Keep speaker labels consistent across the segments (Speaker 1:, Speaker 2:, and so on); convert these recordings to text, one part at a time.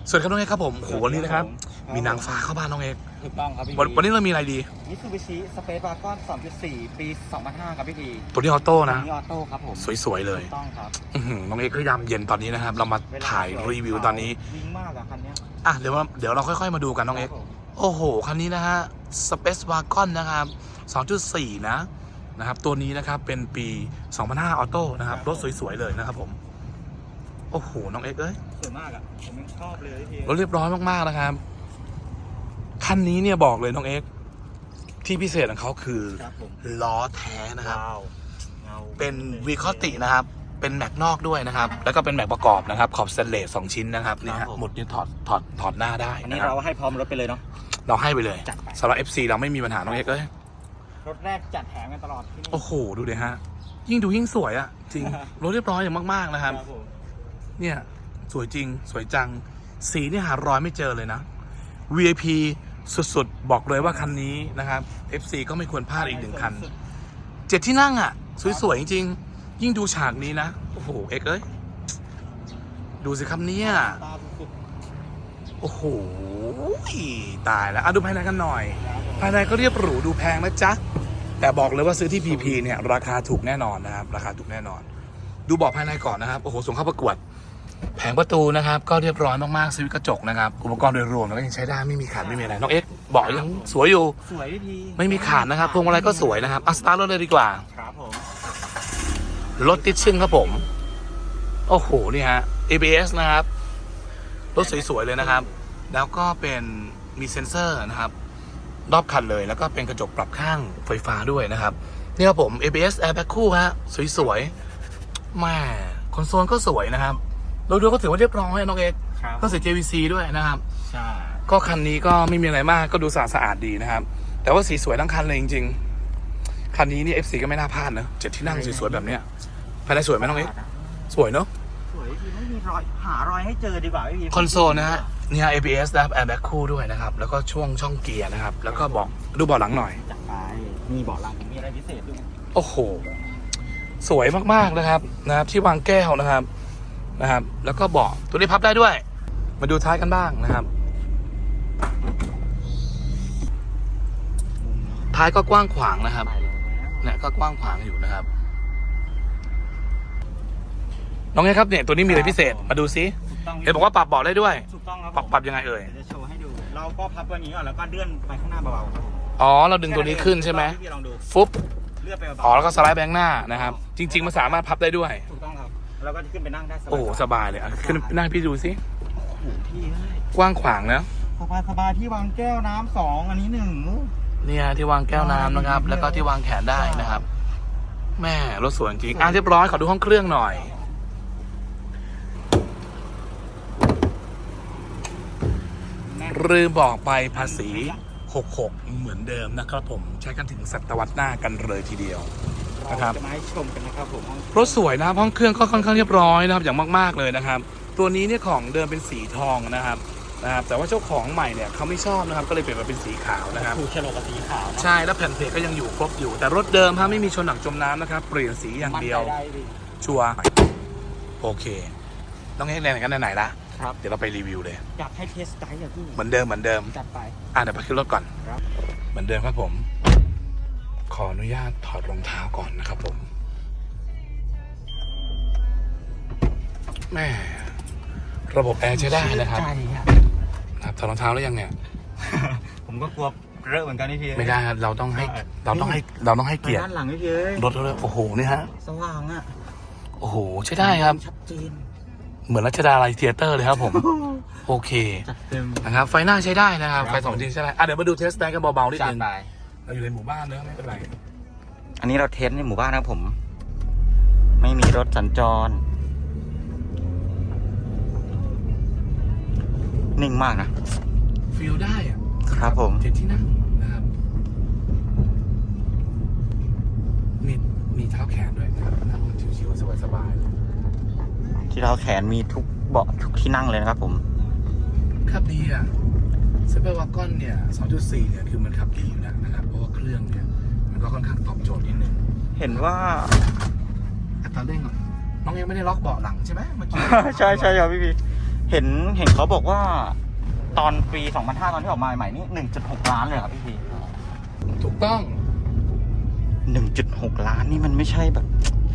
Speaker 1: สวัสดีครับน้องเอกครับผมโหวันนี้นะครับมีนางฟ้าเข้าบ้านน้องเอก
Speaker 2: ถูกต้องครับพี่
Speaker 1: วันนี้เรามีอะไรดี
Speaker 2: มิตซูบิชิสเปซวากอน 2.4 ปี 2005 ครับพี่ที
Speaker 1: ตัวนี้ออโต้นะ
Speaker 2: นี่ออโต้ครับผม
Speaker 1: สวยๆเลย
Speaker 2: ถูกต้องครับ
Speaker 1: น้องเอกก็ยามเย็นตอนนี้นะครับ เรามาถ่ายรีวิวตอนนี้
Speaker 2: วิ่งมากอะคันเนี้ย
Speaker 1: อ่ะเดี๋ยวเราค่อยๆมาดูกันน้องเอก
Speaker 2: ครับผม
Speaker 1: โอ้โหคันนี้นะฮะ Space Wagon นะครับ 2.4 นะครับตัวนี้นะครับเป็นปี 2005 ออโต้นะครับรถสวยๆเลยนะครับผมโอ้โหน้องเอกเอ้ย
Speaker 2: สวยมากอะผมยังชอบเลยพี่ที
Speaker 1: รถเรียบร้อยมากๆนะครับคันนี้เนี่ยบอกเลยน้องเอกที่พิเศษของเขาคือ
Speaker 2: ครับผม
Speaker 1: ล้อแท้นะครับ
Speaker 2: ว้าวเงา
Speaker 1: เป็นวีคอตินะครับเป็นแม็กนอกด้วยนะครับแล้วก็เป็นแม็กประกอบนะครับขอบสเตนเลส2ชิ้นนะครับนี่ฮะหมุดนี่ถอดหน้าได้
Speaker 2: อันนี้
Speaker 1: นะครับ
Speaker 2: เราให้พร้อมรถไปเลยเนาะ
Speaker 1: เราให้ไปเลย
Speaker 2: จัดไป
Speaker 1: สำหรับ FC เราไม่มีปัญหาน้องเอกเอ้ย
Speaker 2: รถแรกจัดแถมกันตลอดที่นี่
Speaker 1: โอ้โหดูดิฮะยิ่งดูยิ่งสวยอะจริง รถเรียบร้อยอย่างมากๆนะครับ
Speaker 2: ผม
Speaker 1: เนี่ยสวยจริงสวยจังสีนี่หารอยไม่เจอเลยนะ VIP สุดๆบอกเลยว่าคันนี้นะครับ FC ก็ไม่ควรพลาดอีกหนึ่งคัน 7 ที่นั่งอะสวยๆจริงๆยิ่งดูฉากนี้นะโอ้โหเอกเอ้ยดูสิครับเนี่ย
Speaker 2: ตาสุด
Speaker 1: โอ้โหตายแล้วดูภายในกันหน่อย ภายในก็เรียบหรูดูแพงนะจ๊ะแต่บอกเลยว่าซื้อที่ PP เนี่ยราคาถูกแน่นอนนะครับราคาถูกแน่นอน ดูเบาะภายในก่อนนะครับโอ้โหส่งเข้าประกวดแผงประตูนะครับก็เรียบร้อยมากๆสวิตช์กระจกนะครับอุปกรณ์โดยรวมแล้วก็ยังใช้ได้ไม่มีขาดไม่มีอะไรน้องเอ็กเบาะยังสวยอยู่
Speaker 2: ๆสวยพี่ที
Speaker 1: ไม่มีขาดนะครับพวงมาลัยก็สวยนะครับสตาร์ทรถเลยดีกว่า
Speaker 2: ครับผม
Speaker 1: รถติดชึ่งครับผมโอ้โหนี่ฮะ ABS นะครับรถสวยๆเลยนะครับ แล้วก็เป็นมีเซ็นเซอร์นะครับรอบคันเลยแล้วก็เป็นกระจกปรับข้างไฟฟ้าด้วยนะครับนี่ครับผม ABS airbag คู่ฮะสวยๆแม่คอนโซลก็สวยนะครับโดยรวมก็ถือว่าเรียบร้อยน้องเอก
Speaker 2: ครับ
Speaker 1: ก็ใส่ JVC ด้วยนะครับ
Speaker 2: ใช่
Speaker 1: ก็คันนี้ก็ไม่มีอะไรมากก็ดูสะอาดดีนะครับ แต่ว่าสีสวยทั้งคันเลยจริงๆคันนี้นี่ FC ก็ไม่น่าพลาดนะ7 ที่นั่งสวยๆแบบเนี้ยภายในสวยไหมน้องเอกสวยเนาะ
Speaker 2: สวยพี่ไม่มีรอยหารอยให้เจอดีกว่าพี่ที
Speaker 1: คอนโซลนะฮะเนี่ย ABS นะครับ airbag คู่ด้วยนะครับแล้วก็ช่องเกียร์นะครับแล้วก็ดูเบาะหลังหน่อย
Speaker 2: จัดไปมีเบาะหลังมีอะไรพิเศษด้วย
Speaker 1: โอ้โหสวยมากๆนะครับที่วางแก้วนะครับแล้วก็เบาะตัวนี้พับได้ด้วย มาดูท้ายกันบ้างนะครับท้ายก็กว้างขวางนะครับเนี่ยก็กว้างขวางอยู่นะครับน้องเอ๋ครับเนี่ยตัวนี้มีอะไรพิเศษมาดูซิ
Speaker 2: ถูกต้อง
Speaker 1: เห็นบอกว่าปรับเบาะได้ด้วย
Speaker 2: ถูกต้องครับ
Speaker 1: ปรับยังไงเอ่ย
Speaker 2: เดี๋ยวจะโชว์ให้ดู เราก็พับตัวนี้ก่อนแล้วก็เลื่อนไปข้างหน้าเบาๆครับผม
Speaker 1: อ๋อเราดึงตัวนี้ขึ้นใช่ไหม
Speaker 2: พี่ลองดู
Speaker 1: ฟุบ
Speaker 2: เลื่อนไปเบาๆ
Speaker 1: อ๋อแล้วก็สไลด์แบงค์หน้านะครับจริงๆมันสามารถพับได้ด้วย
Speaker 2: ถูกต้องครับแล้วก็ขึ้นไปนั่งได้สบาย
Speaker 1: โอ้โหสบายเลยอ่ะขึ้นนั่งพี่ดูซิ
Speaker 2: โอ้โหพี่เอ้ย
Speaker 1: กว้างขวางนะ
Speaker 2: สบายที่วางแก้วน้ำ2อันนี้1
Speaker 1: เนี่ยที่วางแก้วน้ำนะครับ แล้วก็ที่วางแขนได้นะครับ แม่รถสวยจริงเรียบร้อยขอดูห้องเครื่องหน่อยลืมบอกไปภาษี66เหมือนเดิมนะครับผมใช้กันถึงศตวรรษหน้ากันเลยทีเดียว นะครับ
Speaker 2: จะมาให้ชมกันนะครับผม
Speaker 1: รถสวยนะครับห้องเครื่องก็ค่อนข้างเรียบร้อยนะครับอย่างมากๆเลยนะครับ ตัวนี้เนี่ยของเดิมเป็นสีทองนะครับแต่ว่าเจ้าของใหม่เนี่ยเขาไม่ชอบนะครับก็เลยเปลี่ยนมาเป็นสีขาวนะครับ
Speaker 2: ถูกโฉลกกับสีขาวนะ
Speaker 1: ใช่แล้วแผ่นเพลทก็ยังอยู่ครบอยู่แต่รถเดิมไม่มีชนหนักจมน้ำนะครับเปลี่ยนสีอย่างเดียว
Speaker 2: มั่นใจได้ดิ
Speaker 1: ชัวร์โอเคต้องให้แรงกันไหนๆละ
Speaker 2: ครับ
Speaker 1: เดี๋ยวเราไปรีวิวเลย
Speaker 2: อยากให้เทสไดรฟ์อะพี่
Speaker 1: เหมือนเดิม
Speaker 2: จัดไป
Speaker 1: เดี๋ยวไปขึ้นรถก่อน
Speaker 2: ครับ
Speaker 1: เหมือนเดิมครับผม ขออนุญาตถอดรองเท้าก่อนนะครับผมแม่ระบบแอร์ใช้ได้นะครับ
Speaker 2: ใจอะ
Speaker 1: ถอดรองเท้าแล้วยังเนี่ย
Speaker 2: ผมก็กลัวเรอะเหมือนกันนี่พี่
Speaker 1: ไม่ได้ครับเราต้องให้เกียรติ
Speaker 2: ด้านหลังนี่พี่เอ้ย
Speaker 1: รถเลยโอ้โหนี่ฮะ
Speaker 2: สว่างอ่ะ
Speaker 1: โอ้โหใช้ได้ครับ
Speaker 2: ชัดเจน
Speaker 1: เหมือนรัชดาลัยเธียเตอร์เลยครับผม โอเค
Speaker 2: จัดเต็ม
Speaker 1: นะครับไฟหน้าใช้ได้นะครับ
Speaker 2: ครับ
Speaker 1: ไฟ2 ชิ้นใช้ได้เดี๋ยวมาดูเทสได้กันเบาๆนิด
Speaker 2: จัด
Speaker 1: นึง
Speaker 2: ไป
Speaker 1: เราอยู่ในหมู่บ้านเนอะไม่เป็นไร
Speaker 2: อันนี้เราเทสในหมู่บ้านนะครับผม ไม่มีรถสัญจร นิ่งมากนะ
Speaker 1: ฟีลได้อะ
Speaker 2: ครับผม
Speaker 1: เจ็ดที่นั่งนะครับมีเท้าแขนด้วยนะครับนั่งชิวๆสบายๆเลย
Speaker 2: ที่เราแขนมีทุกเบาะทุกที่นั่งเลยนะครับผม
Speaker 1: ขับดีอ่ะซูเปอร์วากอนเนี่ย 2.4 เนี่ยคือมันขับดีอยู่แล้วนะครับเพราะว่าเครื่องเนี่ยมันก็ค่อนข้างตอบโจทย์นิดนึง
Speaker 2: เห็นว่า
Speaker 1: อัตราเร่งน้องยังไม่ได้ล็อกเบาะหลังใช่ไหมเมื่อกี้
Speaker 2: ใช่ครับพี่เห็นเขาบอกว่า ตอนปี 2005 ตอนที่ออกมาใหม่ๆนี่ 1.6 ล้านเลยครับพี่
Speaker 1: ถูกต้อง
Speaker 2: 1.6 ล้านนี่มันไม่ใช่แบบ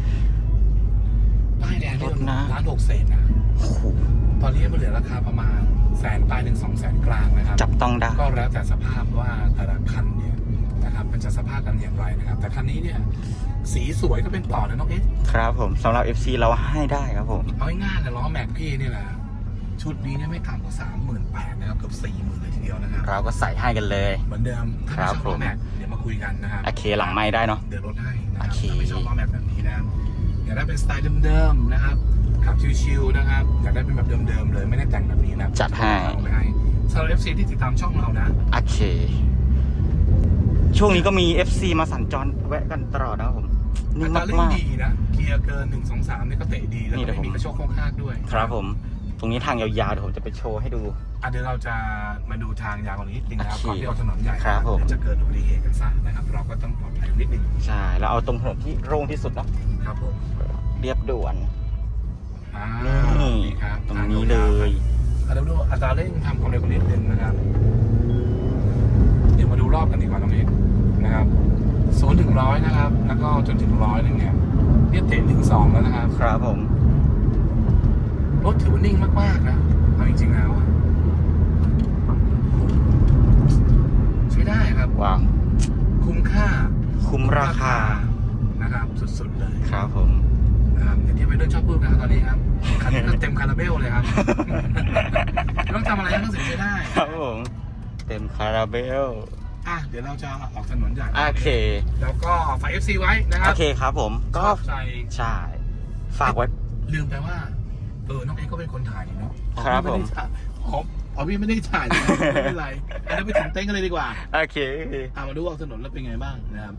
Speaker 1: ป้ายแดงนี่
Speaker 2: รถนะ
Speaker 1: 1,600,000นะ
Speaker 2: โอ้โห
Speaker 1: ตอนนี้มันเหลือราคาประมาณ100,000 ปลายถึง 200,000 กลางนะครับ
Speaker 2: จับต้องได้
Speaker 1: ก็แล้วแต่สภาพว่าแต่ละคันเนี่ยนะครับมันจะสภาพกันอย่างไรนะครับ แต่คันนี้เนี่ยสีสวยก็เป็นต่อนะน้องเอ๊ะ
Speaker 2: ครับผมสำหรับ FC เราให้ได้ครับผม
Speaker 1: เอาง่ายๆนะล้อแม็กพี่นี่แหละชุดนี้เนี่ยไม่ต่ำกว่า 38,000 นะครับเกือบ 40,000 เลยทีเดียวนะครับ
Speaker 2: เราก็ใส่ให้กันเลย
Speaker 1: เหมือนเดิมถ้าไม่ชอบ
Speaker 2: ครับผม
Speaker 1: ล้อแม็กเดี๋ยวมาคุยกันนะครับ
Speaker 2: โอเคหลังไม้ได้เนาะ
Speaker 1: เดี๋ยวลดให้นะครับ
Speaker 2: โอเค
Speaker 1: ถ้าไม่ชอบล้อแม็กแบบนี้นะอยากได้เป็นสไตล์เดิมๆนะครับขับชิวๆนะครับอยากได้เป็นแบบเดิมๆเลยไม่ได้แต่งแบบนี้นะ
Speaker 2: จัดให้
Speaker 1: เอาไปให้สำหรับ FC ที่ติดตามช่องเรานะ
Speaker 2: โอเค ช่วงนี้ก็มี FC มาสัญจรแวะกันตลอดนะครับผม
Speaker 1: อั
Speaker 2: นี่
Speaker 1: ตราเร่ง
Speaker 2: มาก
Speaker 1: ดีนะเกียร์เกิน 1 2 3นี่ก็เตะดีแล้ว
Speaker 2: นี่
Speaker 1: ก็
Speaker 2: เดี๋ยว
Speaker 1: ไม่มีกระโชกโค้งคากด้วย
Speaker 2: ๆ ครับผม ตรงนี้ทางยาวๆเดี๋ยวผมจะไปโชว์ให้ดู
Speaker 1: เดี๋ยวเราจะมาดูทางยาวกว่านี้นิดนึงนะครับ
Speaker 2: โอเค
Speaker 1: ก่อนที่เราถนนใหญ่
Speaker 2: ครับผม
Speaker 1: เดี๋ยวจะเกิดอุบัติเหตุกันซะนะครับ เราก็ต้องปลอดภัยนิดนึง
Speaker 2: ใช่ แล้วเอาตรงถนนที่โล่งที่สุดเนาะ
Speaker 1: ครับผม
Speaker 2: เรียบด่วน
Speaker 1: อ่า
Speaker 2: นี่
Speaker 1: ครับ
Speaker 2: ตรงนี้เลย
Speaker 1: เดี๋ยวดูอัตราเร่งทำความเร็วกันนิดนึงนะครับ เดี๋ยวมาดูรอบกันดีกว่าน้องเอกนะครับ0 ถึง 100นะครับ แล้วก็จนถึง100เนี่ยเตะ1-2แล้วนะครับ
Speaker 2: ครับผม
Speaker 1: รถถือว่านิ่งมากๆนะเอาจริงๆแล้วอะใช้ได้ครับ
Speaker 2: ว้าว
Speaker 1: คุ้มค่า
Speaker 2: คุ้มราคา
Speaker 1: นะครับ สุดๆเลย
Speaker 2: ครับผม
Speaker 1: นะครับอย่างที่ไปเดินชอบพูดนะครับตอนนี้ครับคันนี้ก็เต็มคาราเบลเลยครับ ไม่ต้องทำอะไรทั้งสิ้นใช้ได้
Speaker 2: ครับผม เต็มคาราเบล
Speaker 1: เดี๋ยวเราจะออกถนนใหญ่
Speaker 2: โอเค
Speaker 1: แล้วก็ฝาก FC ไว้นะครั
Speaker 2: โอบ เคครับผม ก็
Speaker 1: ชอบใจ
Speaker 2: ใช่ ฝากไว้
Speaker 1: ลืมไปว่าน้องเอ็กก็เป็นคนถ่ายนี่เนาะ
Speaker 2: ครับผม
Speaker 1: พี่ไม่ได้ถ่ายเลยไม่เป็นไรอันนั้นไปถึงเต้นกันเลยดีกว่า
Speaker 2: โอเค
Speaker 1: มาดูออกถนนแล้วเป็นไงบ้างนะครับ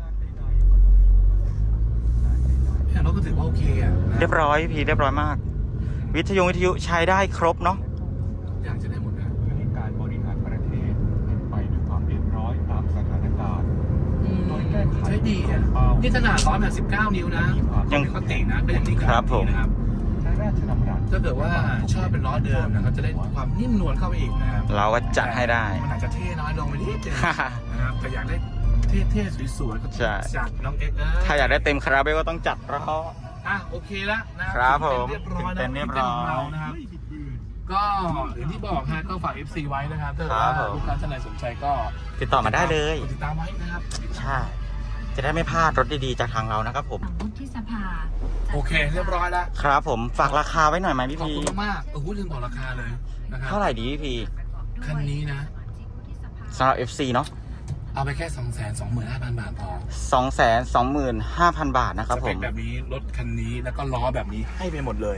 Speaker 1: เนี่ยเราก็ถือว่าโอเคอ่ะนะ
Speaker 2: เรียบร้อยพี่เรียบร้อยมาก วิทยุใช้ได้ครบเนาะ
Speaker 1: อยากจะได้หมดนะ
Speaker 3: การบริหารประเทศเป็นไปด้วยความเรียบร้อยตามสถานการณ์
Speaker 1: ใช้ดีอ่ะนี่ขนาด189 นิ้วนะ
Speaker 2: ยัง
Speaker 1: ปกตินะก็ยังนิ่ง
Speaker 2: ครับผม
Speaker 1: นะครับ
Speaker 3: ใช้ราชดำรัส
Speaker 1: ถ้าเกิดว่าชอบเป็นล้อเดิมนะครับจะได้ความนิ่มนวลเข้าไปอีกนะครับ
Speaker 2: เราก็จัดให้ได้
Speaker 1: มันอาจจะเท่น้อยลงไปนิดนึงนะครับแต่อยากได้เท่ๆสวยๆก็
Speaker 2: ใช่
Speaker 1: จัดน้องเอ็กซ์
Speaker 2: ถ้าอยากได้เต็มคาราเบลก็ต้องจัดล้อ
Speaker 1: โอเคแล้วนะครับ
Speaker 2: ผม
Speaker 1: เรียบร้อย
Speaker 2: เต็
Speaker 1: นะ
Speaker 2: มเรียบร้อย
Speaker 1: ของเรานะครับ ก็อย่างที่บอกฮะก็ฝาก FC ไว้นะครับถ้าเกิด
Speaker 2: ครั
Speaker 1: ว่า
Speaker 2: บผม
Speaker 1: ลูกค้าท่านใดสนใจก็
Speaker 2: ติดต่อมาได้เลย
Speaker 1: กดติดตามไว้นะครับ
Speaker 2: ใช่ จะได้ไม่พลาดรถดีๆจากทางเรานะครับผม
Speaker 4: ฝั่งวุฒิสภา
Speaker 1: โอเค เรียบร้อยแล้ว
Speaker 2: ครับผม ฝากราคาไว้หน่อยไหมพี่
Speaker 1: ขอบ
Speaker 2: พี
Speaker 1: คุณมากๆลืมบอกราคาเลยนะครับ
Speaker 2: เท่าไหร่ดีพี่พี
Speaker 1: คันนี้นะ
Speaker 2: สำหรับ FC เนาะ
Speaker 1: เอาไปแค่ 225,000 บาทพอ
Speaker 2: 225,000 บาทนะครับ
Speaker 1: ส
Speaker 2: ผ
Speaker 1: เปค
Speaker 2: ม
Speaker 1: แบบนี้รถคันนี้แล้วก็ล้อแบบนี้ให้ไปหมดเลย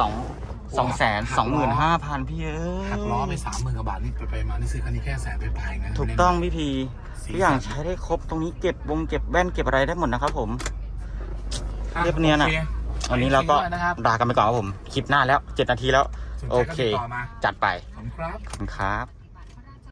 Speaker 2: 225,000 พี่เอ้
Speaker 1: หักล้อไป
Speaker 2: ย
Speaker 1: 30,000 กว่าบาทนี่ไปๆมานี่ซื้อคันนี้แค่100,000ไปๆนะ
Speaker 2: ถูกต้องพี่พีทุกอย่างใช้ได้ครบตรงนี้เก็บแว่นเก็บอะไรได้หมดนะครับผม เรียบเนียนอะ วันนี้เราก็
Speaker 1: นะครับ
Speaker 2: ลากันไปก่อนครับผม คลิปหน้าแล้ว 7 นาทีแล้ว
Speaker 1: สนใจ
Speaker 2: โอ
Speaker 1: ก็
Speaker 2: เค
Speaker 1: ติดต่อมา
Speaker 2: จัดไป
Speaker 1: ขอบคุณครับ
Speaker 2: ขอบคุณครับ